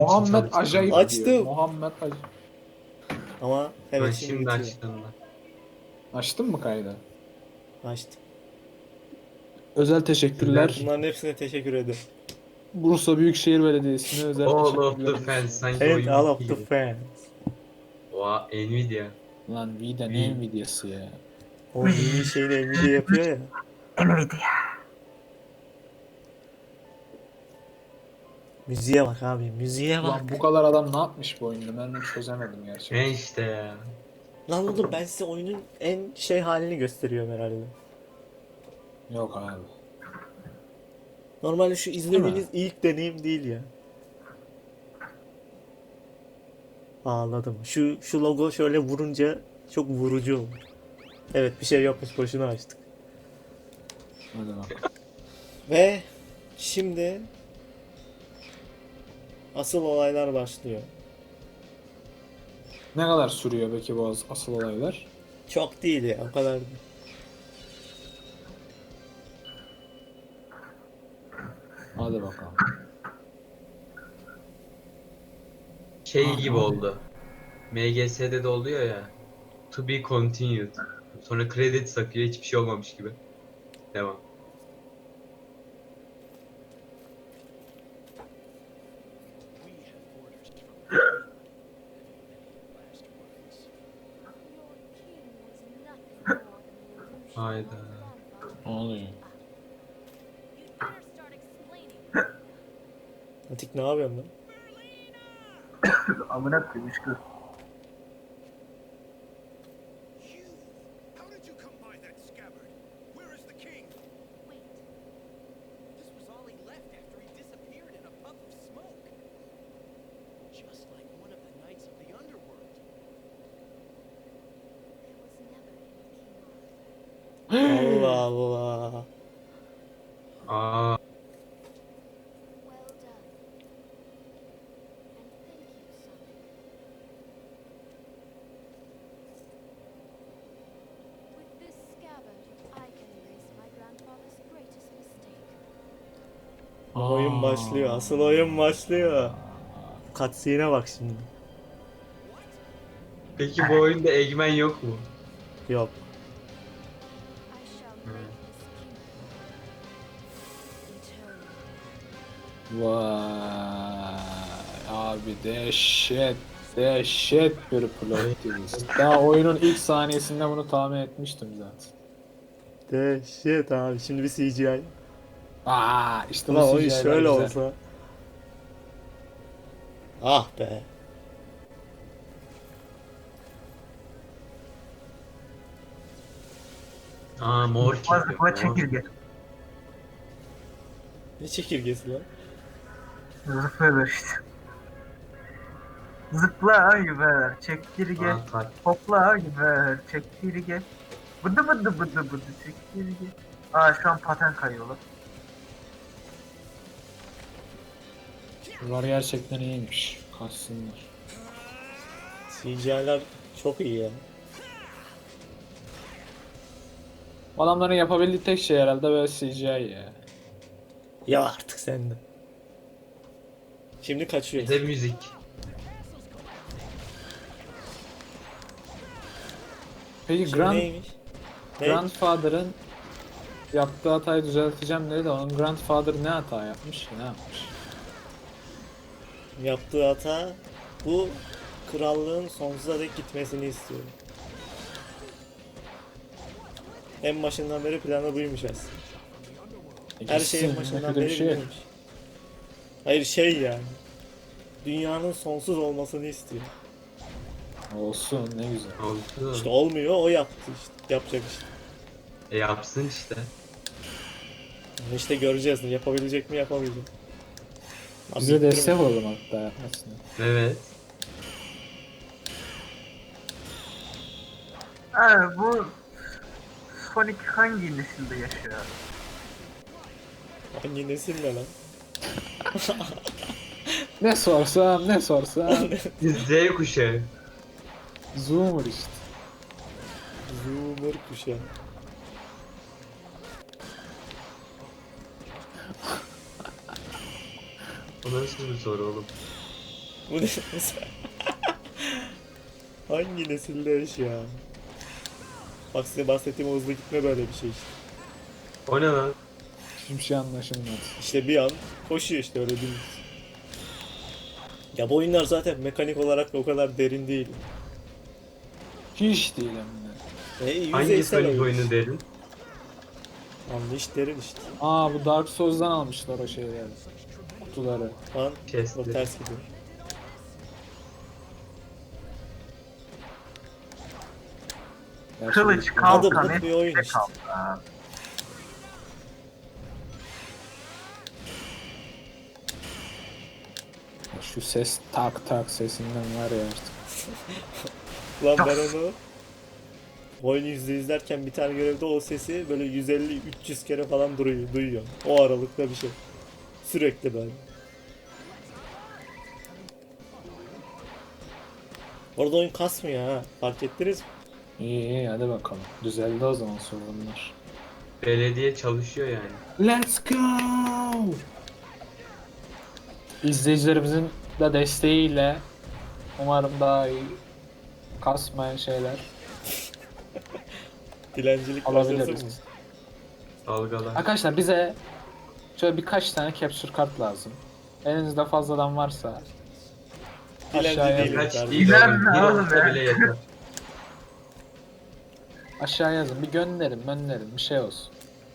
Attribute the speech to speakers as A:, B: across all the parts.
A: Muhammed
B: çalıştım.
A: acayip
C: Açtım.
A: diyor. Muhammed acayip.
C: Ama
B: Ha,
C: evet şimdi
B: şimdi
C: bitiyor.
B: açtım da.
A: Açtın mı kaydı?
C: Açtım.
A: Özel teşekkürler.
C: Bunların hepsine teşekkür ederim.
A: Bursa Büyükşehir Belediyesi'ne özel
B: All of the
A: teşekkürlerimizi
B: fans.
A: sunuyoruz.
B: Sanki
C: And
B: oyun
C: all
B: bitti
C: of the
B: gibi.
C: fans.
B: Oha Nvidia.
A: Lan Vida
B: Vi.
A: ne Nvidia'sı ya.
C: O mini şeyini Nvidia yapıyor ya. Müziğe bak abi, müziğe bak.
A: Ulan bu kadar adam ne yapmış bu oyunda ben onu çözemedim gerçekten.
B: Ne işte ya.
C: Lan oğlum ben size oyunun en şey halini gösteriyorum herhalde.
A: Yok abi.
C: Normalde şu izlemeniz
A: mi?
C: ilk deneyim değil ya. Ağladım. Şu logo şöyle vurunca çok vurucu oldu. Evet bir şey yokmuş, boşuna açtık.
A: Hadi bak.
C: Ve şimdi asıl olaylar başlıyor.
A: Ne kadar sürüyor peki bu asıl olaylar?
C: Çok değil ya, o kadar değil.
A: Hadi bakalım.
B: Şey gibi oldu. MGS'de de oluyor ya. To be continued. Sonra kredi sakıyor, hiçbir şey olmamış gibi. Devam. Hayda.
A: Ne oluyor?
C: Atik ne yapıyorsun lan?
D: Amına koyayım kız.
E: You! How did you come by that scabbard? Where is the king?
F: Wait.
E: This was all he left after he disappeared in a puff of smoke. Just like one of the knights of the underworld.
F: There was never any King Arthur.
C: Allah Allah.
B: Aa,
F: Well done. And thank you, son. With this scabbard, I can erase my grandfather's greatest mistake.
C: Oyun başlıyor. Asıl oyun başlıyor. Cutscene'e bak şimdi.
B: peki bu oyunda Eggman yok mu?
C: Yok.
F: I shall make this kingdom eternal.
A: Vay abi dehşet bir plot twist. Daha oyunun ilk saniyesinde bunu tahmin etmiştim zaten.
C: Dehşet abi. Şimdi bir CGI.
A: İşte bu
C: Ulan oyun
A: CGI'ler
C: şöyle
A: güzel.
C: olsa. Ah be.
B: Aa mor
D: Zıpla
B: çekiyor.
D: zıpla
B: mor.
D: çekirge.
C: Ne çekirgesi lan?
D: Zıplıyorlar işte. Zıpla güver çekirge.
B: Aa, tak.
D: Hopla güver çekirge. Bıdı bıdı bıdı bıdı çekirge. Şu an paten kayıyorlar.
A: Bunlar gerçekten iyiymiş. Kaçsınlar.
C: CGI'ler çok iyi ya.
A: Adamların yapabildiği tek şey herhalde böyle CGI ya.
C: Ya artık sen de. Şimdi kaçıyor.
B: Bir de müzik.
A: Peki
C: Şimdi neymiş? Ne?
A: Grandfather'ın yaptığı hatayı düzelteceğim dedi de onun Grandfather ne hata yapmış? Ne yapmış?
C: Yaptığı hata bu krallığın sonsuza dek gitmesini istiyor. En başından beri planı buymuş aslında. Her şeyin
A: Gitsin,
C: başından
A: ne kötü bir
C: beri
A: şey.
C: buymuş. Hayır şey yani. Dünyanın sonsuz olmasını istiyor.
A: Olsun ne güzel.
B: Oldu.
C: İşte olmuyor, o yaptı işte. Yapacak işte.
B: Yapsın işte.
C: İşte göreceğiz. Yapabilecek mi, yapabilecek mi?
A: Bize
C: Abi,
A: destek olalım hatta yapmasına.
B: Evet.
D: Bu Sonic hangi nesilde yaşıyor?
C: hangi nesil ne lan?
A: Ne sorsam
B: Z kuşağı.
A: Zoomer işte.
C: Zoomer kuşağı.
B: O nasıl bir soru oğlum?
C: Bu ne? Hangi nesilde iş ya? Bak size bahsettiğim o hızlı gitme böyle bir şey işte.
B: O ne lan?
A: Hiçbir şey anlaşılmadı.
C: İşte bir an koşuyor işte öyle değil. Ya bu oyunlar zaten mekanik olarak da o kadar derin değil.
A: Hiç değil hem de.
B: Hangi
C: Yüzeysel
B: Sonic
C: oyun.
B: oyunu derin?
C: Anlayış derin işte.
A: Aa bu Dark Souls'dan almışlar o şeyleri. Kutuları.
C: Lan
B: Chest'li.
C: o ters gidiyor.
A: Ya
D: Kılıç
A: şimdi-
D: kalkan
C: Adımlık bir oyun
D: hepsi
C: işte.
D: kaldı.
A: Şu ses tak tak sesinden var ya artık.
C: Lan ben onu oyunu izlerken bir tane görevde o sesi böyle 150-300 kere falan duyuyor. O aralıkta bir şey. Sürekli böyle. Orada oyun kasmıyor ha. Fark ettiniz mi?
A: İyi iyi hadi bakalım. Düzeldi o zaman sorunlar.
B: Belediye çalışıyor yani.
A: Let's go! İzleyicilerimizin de desteğiyle umarım daha iyi kasmayan şeyler
C: Dilencilik başlasın mı?
A: alabiliriz.
B: Dalgalar.
A: Arkadaşlar bize şöyle birkaç tane capture kart lazım. Elinizde fazladan varsa
C: Dilenci
A: aşağıya,
C: değilim
B: Kaç
C: kardeşim.
B: değil
D: Bilen
B: oğlum.
D: ne
B: Bir
D: oğlum
B: olsa
D: ya?
B: bile yeter.
A: aşağı yazın. Bir gönderin bir şey olsun.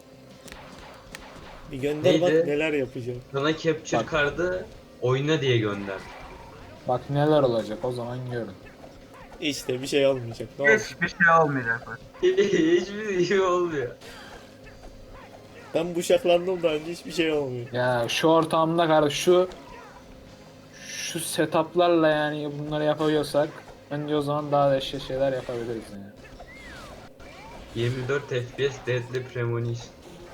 C: Bir gönder bak
B: Neydi?
C: neler yapacağım.
B: Sana capture
A: Bak.
B: card'ı oyna diye gönder.
A: Bak neler olacak o zaman görün.
C: İşte bir şey olmayacak. Ne olsun?
D: Hiçbir şey olmayacak. bak.
B: Hiçbir şey olmuyor.
C: Ben bıçaklandım da önce hiçbir şey olmuyor.
A: Ya şu ortamda kardeş şu setuplarla yani bunları yapabiliyorsak bence o zaman daha da eşya şeyler yapabiliriz yani.
B: 24 FPS Deadly Premonition.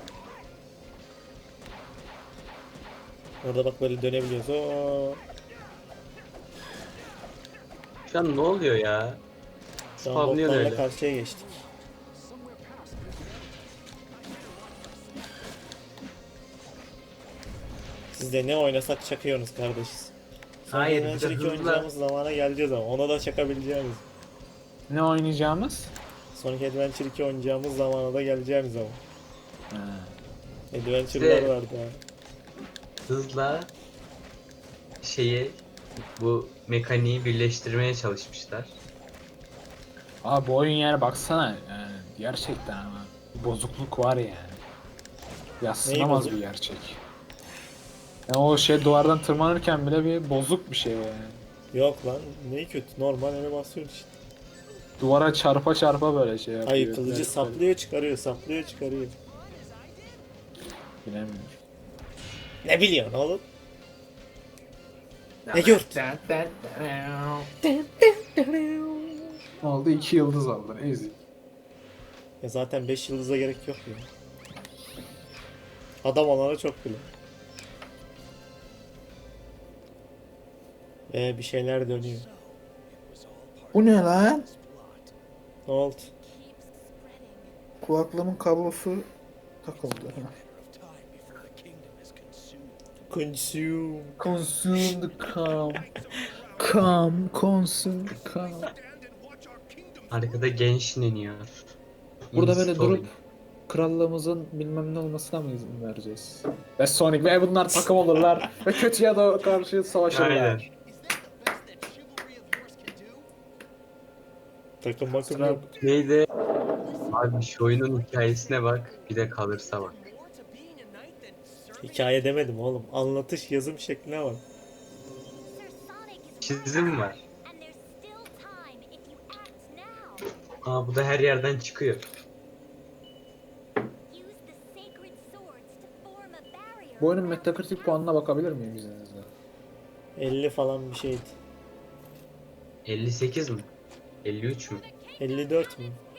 C: Orada bak böyle dönebiliyoruz. Oo.
B: Şu an ne oluyor ya?
C: Şu an
B: Spamlıyor
C: botlarla
B: öyle.
C: karşıya geçtik. Siz de ne oynasak çakıyorsunuz kardeşiz. Sonra
B: Hayır,
C: Adventure
B: bir de
C: 2
B: hızlı.
C: oynayacağımız zamana geleceğiz ama ona da çakabileceğimiz.
A: Ne oynayacağımız?
C: Sonic Adventure 2 oynayacağımız zamana da geleceğimiz ama.
A: Ha.
C: Adventure'lar
B: İşte-
C: vardı ha.
B: Hızla bu mekaniği birleştirmeye çalışmışlar.
A: Abi bu oyun yani baksana yani gerçekten ama bozukluk var yani. Yadsınamaz
C: bozuk?
A: bir gerçek. Yani o şey duvardan tırmanırken bile bir bozuk bir şey o yani.
C: Yok lan ne kötü normal animasyon işte.
A: Duvara çarpa çarpa böyle şey yapıyor.
C: Hayır kılıcı
A: Böyle-
C: saplıyor çıkarıyor saplıyor çıkarıyor.
A: Bilemiyorum.
C: Ne biliyorsun oğlum? Ne gör?
A: Ne oldu? 2 yıldız aldın. Easy.
C: Ya zaten 5 yıldıza gerek yok ya. Adam olana çok bile. Bir şeyler dönüyor.
A: Bu ne lan?
C: Ne oldu?
F: Keeps spreading.
A: Kulaklığımın kablosu takıldı.
E: Time before the kingdom is consumed.
C: Consume.
A: Consume the calm. Calm, consume the calm.
B: Arkada genç iniyor.
A: Burada böyle
B: Installing.
A: durup krallığımızın bilmem ne olmasına mı izin vereceğiz? Ve Sonic ve bunlar takım olurlar ve kötüye de karşı savaşırlar.
B: Aynen.
E: Is that the best that chivalry of yours can do?
C: Takım makım
A: Sıra-
C: yok.
B: Neydi? Abi şu oyunun hikayesine bak. Bir de kalırsa bak.
E: More to being a knight than serving
C: Hikaye demedim oğlum. Anlatış yazım şekline bak.
F: Sir Sonic is
B: Çizim var.
F: and there's still time if you act now.
B: Aa bu da her yerden çıkıyor.
F: Use the sacred swords to form a barrier.
A: Bu oyunun
F: around
A: Metacritic
F: the
A: puanına bakabilir miyim izninizle?
C: 50 falan bir şeydi.
B: 58 mi? 53 mü?
C: 54 mü?
F: people.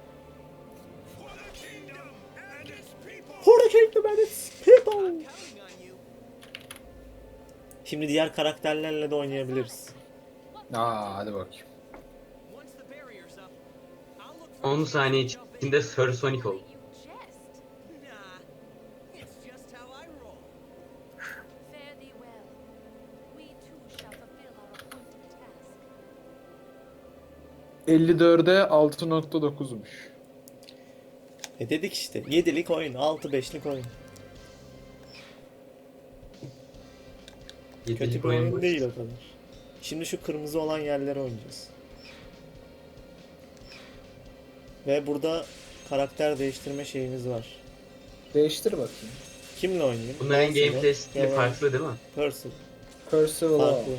C: For the kingdom and its people.
E: counting on you.
C: Şimdi diğer karakterlerle de oynayabiliriz.
A: Aa hadi bakayım.
E: Once the barrier's up, I'll look for
B: 10 saniye içinde Sir Sonic oldu.
F: You jest.
E: Nah, it's just how I roll.
F: Fare thee well. We too shall fulfill our
A: 54'e 6.9'muş.
C: Dedik işte 7'lik oyun, 6-5'lik oyun. Kötü
B: Yedilik
C: bir oyun
B: bu.
C: değil o kadar. Şimdi şu kırmızı olan yerlere oynayacağız. Ve burada karakter değiştirme şeyimiz var.
A: Değiştir bakayım.
C: Kimle oynayayım?
B: Bunların
C: Lancelot,
B: gameplay stili
C: Gawain,
B: farklı değil mi?
C: Percival.
A: Percival'a.
C: Farklı.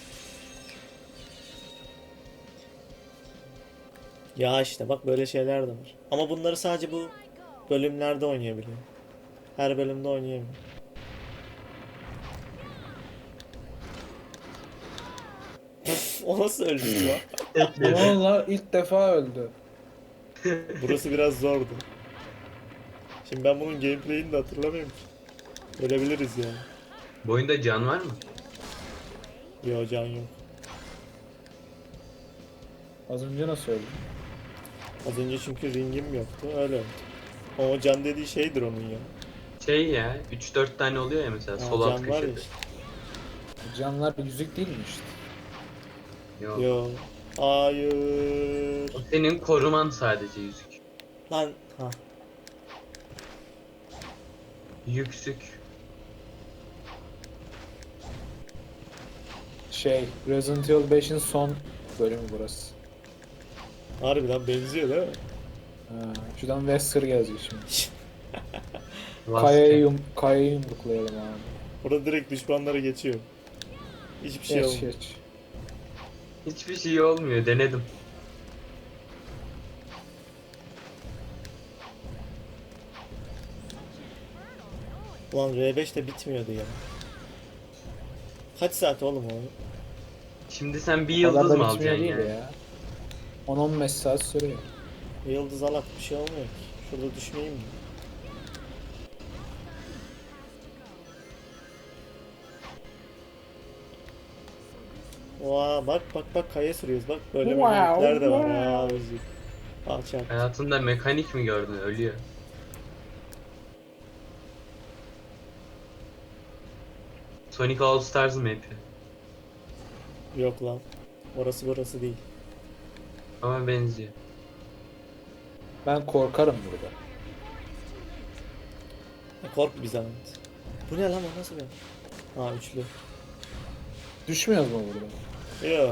C: Ya işte bak böyle şeyler de var. Ama bunları sadece bu bölümlerde oynayabiliyor. Her bölümde oynayamıyor. O nasıl öldü ya?
A: Valla ilk defa öldü.
C: Burası biraz zordu. Şimdi ben bunun gameplay'ini de hatırlamıyorum ki. Ölebiliriz yani.
B: Bu oyunda can var mı?
C: Yo can yok.
A: Az önce nasıl öldü?
C: Az önce çünkü ringim yoktu öyle öldü. O can dediği şeydir onun ya.
B: Şey ya 3-4 tane oluyor ya mesela
C: Ha,
B: sol alt
C: can var ya
B: köşede.
C: işte.
A: Canlar yüzük değil mi işte?
B: Yok.
C: Yo. Hayır.
B: O senin koruman sadece yüzük.
C: Lan ha.
B: Yüksük.
A: Resident Evil 5'in son bölümü burası.
C: Harbiden benziyor değil mi?
A: Ha, şuradan Wesker yazıyor şimdi.
B: Last
A: Kaya'yı yumruklayalım abi.
C: Burada direkt düşmanlara geçiyor. Hiçbir şey
A: Geç
C: olmuyor.
A: geç.
B: Hiçbir şey olmuyor denedim.
C: Ulan R5 de bitmiyordu ya. Kaç saat oğlum o?
B: Şimdi sen bir
A: O kadar
B: yıldız
A: da
B: mı
A: bitmiyor
B: alacaksın
A: değil
B: yani?
A: ya. 10-15 saat sürüyor.
C: Yıldız alak bir şey olmuyor ki. Şurada düşmeyeyim mi? Oha bak bak bak kaya sürüyoruz bak böyle
A: Wow,
C: mekanikler de var.
A: wow.
C: Aa özür. Alçak.
B: Hayatında mekanik mi gördün? Ölüyor. Sonic All Stars map'i.
C: Yok lan. Orası burası değil.
B: Ama benziyor.
A: Ben korkarım burada.
C: Kork bir zahmet. Bu ne lan o nasıl bir? Ha üçlü.
A: Düşmüyoruz mu burada?
C: Yo.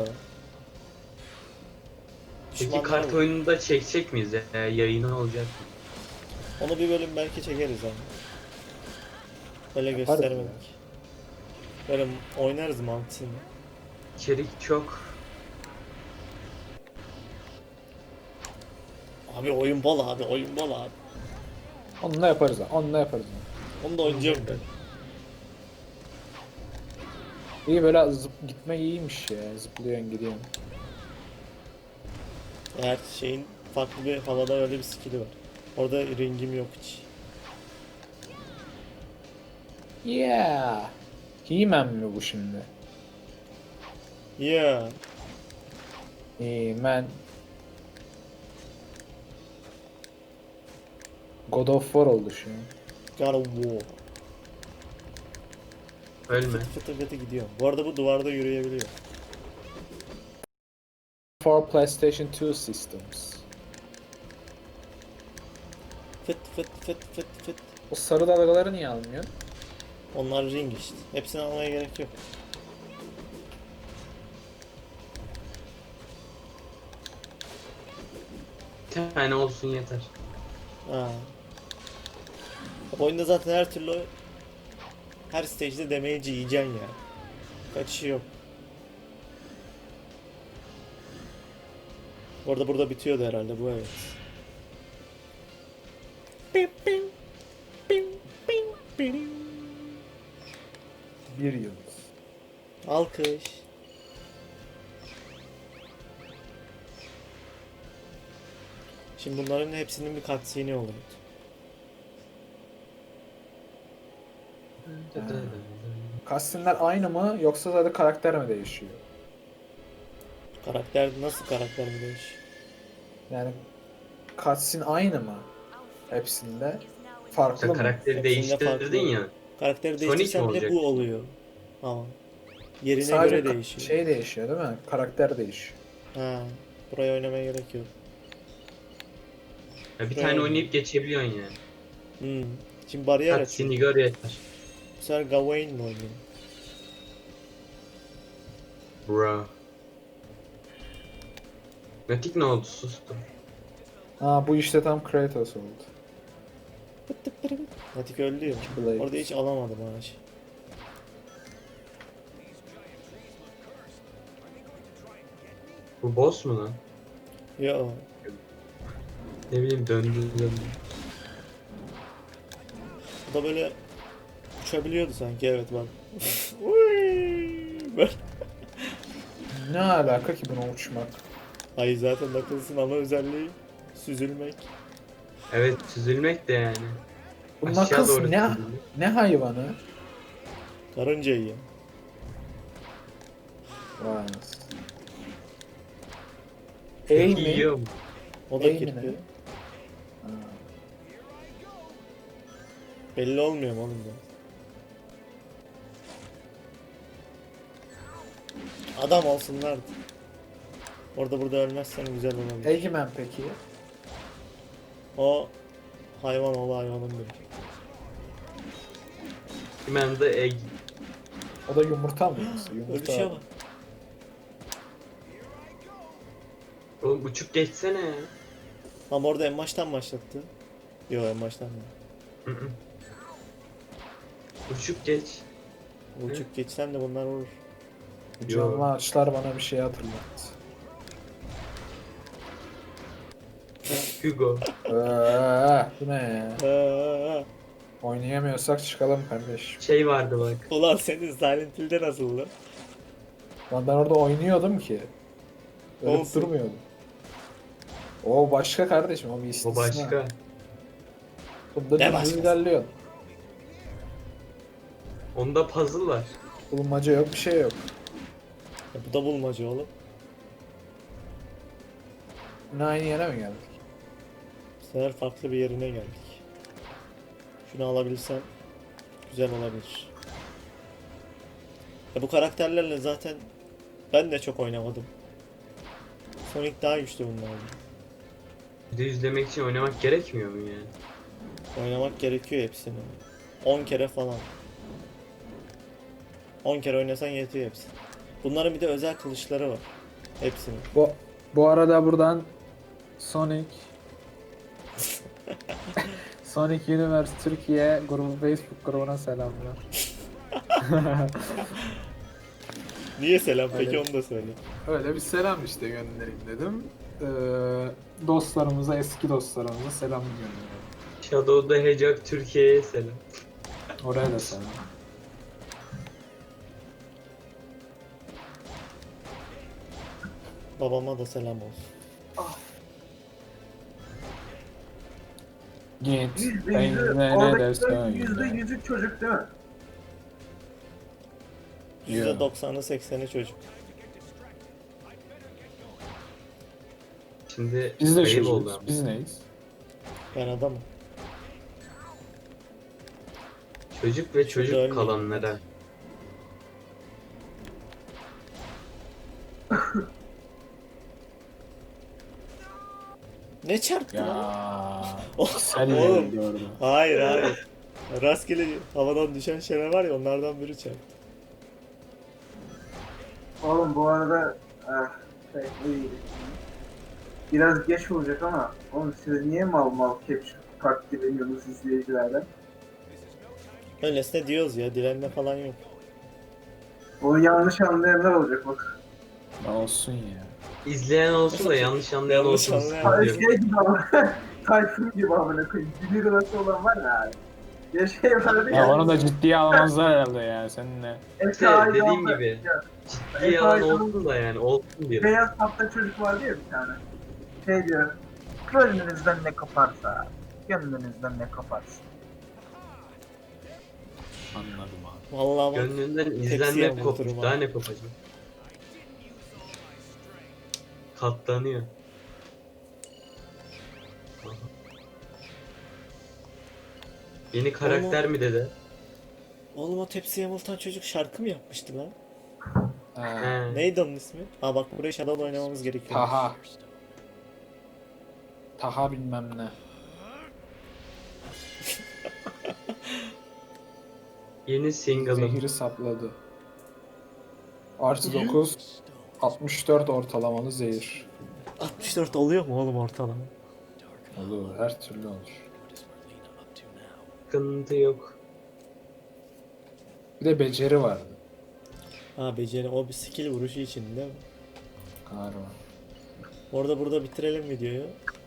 B: Peki
C: Düşmanlar
B: kart
C: var.
B: oyununu da çekecek miyiz? Yayını olacak mı?
C: Onu bir bölüm belki çekeriz ama. Böyle
A: Yaparız
C: göstermedik. Böyle oynarız mantığını.
B: İçerik çok.
C: Abi oyun bol abi oyun bol abi.
A: Onunla yaparız ha. Onunla yaparız.
C: Onu da oynayacağım ben.
A: İyi böyle gitme iyiymiş ya. Zıplıyorsun gidiyorsun.
C: Her şeyin farklı bir havada öyle bir skill'i var. Orada ringim yok hiç.
A: Yeah. He-Man mi bu şimdi?
C: Yeah.
A: He-Man. God of War oldu şu an.
C: God of War.
B: Ölme.
C: Fıtı fıtı gidiyor. Bu arada bu duvarda yürüyebiliyor.
A: For PlayStation 2 systems.
C: Fıt fıt fıt fıt fıt.
A: O sarı dalgaları niye almıyorsun?
C: Onlar ring işte. Hepsini almaya gerek yok.
B: Bir tane olsun yeter.
C: Ha. Oyunda zaten her türlü her stage'de damage'i yiyeceksin ya. Kaçışı yok. Orada burada bitiyordu herhalde bu evet.
A: Bir yıldız.
C: Alkış. Şimdi bunların hepsinin bir cutscene'i oluyor.
A: Cutscene'ler aynı mı yoksa sadece karakter mi değişiyor?
C: Karakter nasıl karakter mi değişiyor?
A: Yani cutscene aynı mı? Hepsinde. Farklı
B: Sen
A: mı?
B: karakteri
C: Hepsinde
B: değiştirdin
C: farklı.
B: ya.
C: Karakteri
B: Sonic mi
C: değiştirsen bile
B: olacak?
C: bu oluyor. Ama yerine
A: Sadece
C: göre değişiyor.
A: şey değişiyor değil mi? Karakter değişiyor.
C: Ha. Buraya oynamaya gerek yok.
B: Ya bir
C: Şuraya
B: tane
C: oyna.
B: oynayıp geçebiliyorsun yani.
C: Şimdi bariyer açıyor.
B: Taksini gör yeter.
C: Bu sefer Gawain mi oynuyor?
B: Bro. Matik ne oldu? Sustu.
A: Ha bu işte tam Kratos oldu.
C: Natik öldü ya.
A: Blade.
C: Orada hiç alamadım ağaç.
B: Bu boss mu lan?
C: Yo.
B: Ne bileyim döndü.
C: Bu da böyle uçabiliyordu sanki, evet bak. Uy! Böyle.
A: Ne alaka ki buna uçmak?
C: Ay zaten Knuckles'ın ana özelliği süzülmek.
B: Evet süzülmek de yani.
A: Bu
B: Aşağı
A: Knuckles
B: doğru
A: ne,
B: süzülmek.
A: ne hayvanı?
C: Karınca yiyor.
A: Vay anasını.
B: Peki
A: Ey mi?
B: yiyor mu?
C: O da
A: Ey mi
C: kirpi.
A: ne? Ha.
C: Belli olmuyor mu oğlum da? Adam olsunlar. Orada burada ölmezsen güzel olabilir.
A: Eggman peki?
C: O hayvan oğlu hayvanın biri.
B: Hemen de egg.
A: O da yumurta mı? Yumurta.
C: Ölüşe bak.
B: Oğlum uçup geçsene ya.
C: Ama orada en baştan başlattı. Yo, en baştan mı?
B: Hı hı. Uçup geç.
C: Uçup geçsem de bunlar vurur.
A: Bu canlı ağaçlar bana bir şey hatırlattı.
B: Hugo.
A: Bu ne ya?
C: Aa,
A: Oynayamıyorsak çıkalım kardeş.
B: Şey vardı bak.
C: ulan senin Silent Hill'de nasıldı?
A: Lan ben orada oynuyordum ki. Ölüp
C: Olsun.
A: durmuyordum. O başka kardeşim, o bir istisna.
B: O başka.
A: Bunda
C: Ne
A: dümdüz
C: başkası?
A: ilerliyor.
B: Onda puzzle var.
A: Bulmaca yok, bir şey yok.
C: Ya bu da bulmaca oğlum.
A: Yine aynı yere mi geldik?
C: Bu sefer farklı bir yerine geldik. Şunu alabilsem güzel olabilir. Ya bu karakterlerle zaten ben de çok oynamadım. Sonic daha güçlü bunlardan.
B: Bir de yüzlemek için oynamak gerekmiyor mu yani?
C: Oynamak gerekiyor hepsini. 10 kere falan. 10 kere oynasan yetiyor hepsi. Bunların bir de özel kılıçları var. Hepsinin.
A: Bu arada buradan Sonic Sonic Universe Türkiye grubu Facebook grubuna selamlar.
C: Niye selam peki,
A: Öyle.
C: onu da söyle.
A: Öyle bir selam işte göndereyim dedim. Dostlarımıza, eski dostlarımıza selam gönderiyorum.
B: Shadow the Hedgehog Türkiye'ye selam.
A: Oraya da selam.
C: Babama da selam olsun.
A: Git.
D: Yüzde
A: Ben
D: yüzü,
A: ne
D: oradaki
A: dersen
D: yüzde
A: öyle.
D: yüzü çocuk değil mi?
C: %90'ı 80'i çocuk.
B: Şimdi
A: Biz de
B: ayıp oldu
A: çocuğuz.
B: ama.
A: Biz neyiz?
C: Ben adamım.
B: Çocuk ve çocuk
C: ölmeyin.
B: kalanlara.
C: Ne çarptı lan?
A: Ya. Sen
C: Oğlum.
A: gördüm.
C: Hayır hayır. Rastgele havadan düşen şeyler var ya, onlardan biri çarptı.
D: Oğlum bu arada iyi. Biraz geç olacak ama oğlum siz niye mal mal capture taklit ediyorsunuz izleyicilerden?
C: Öylesine diyoruz ya, dilenme falan yok.
D: Onu yanlış anlayanlar olacak bak.
A: Ne olsun ya.
B: İzleyen olsun da yanlış anlayan
C: Yanlış
B: olsun.
C: anlayan
D: Hani
B: diyorum.
D: şey gibi ama Tayfun gibi amına koyayım. Dili nasıl olan var ya. Ya şey vardı
A: Ya onu da ciddiye almazlar herhalde ya seninle.
B: İşte dediğim gibi. Ciddi yalan olsun da yani olsun diye.
D: Beyaz tatlı çocuk vardı ya bir tane. Şey diyor. Gönlünüzden ne koparsa. Gönlünüzden ne koparsa.
A: Anladım abi.
C: Vallahi bak.
B: Gönlünden
C: Tepsiye
B: izlenme
C: vurdurum
B: kopmuş.
C: ha.
B: Daha ne kopacak? Katlanıyor. Aha. Yeni karakter mi dede?
C: Oğlum o tepsiye vurulan çocuk şarkı mı yapmıştı lan?
A: Ha.
B: He.
C: Neydi onun ismi? Aa bak buraya Shadow oynamamız gerekiyor.
A: Taha. Taha bilmem ne.
B: Yeni single'ım.
A: Zehiri sapladı. Artı 9. 64 ortalamalı zehir.
C: 64 oluyor mu oğlum ortalama?
A: Olur. Her türlü olur.
B: Sıkıntı yok.
A: Bir de beceri vardı.
C: Ha beceri o bir skill vuruşu için değil mi?
A: Galiba.
C: Orada burada bitirelim videoyu.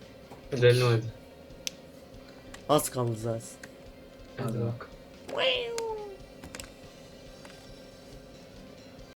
B: Bitirelim hadi.
C: Az kaldı zaten.
B: Hadi
A: Hadi.
B: bak.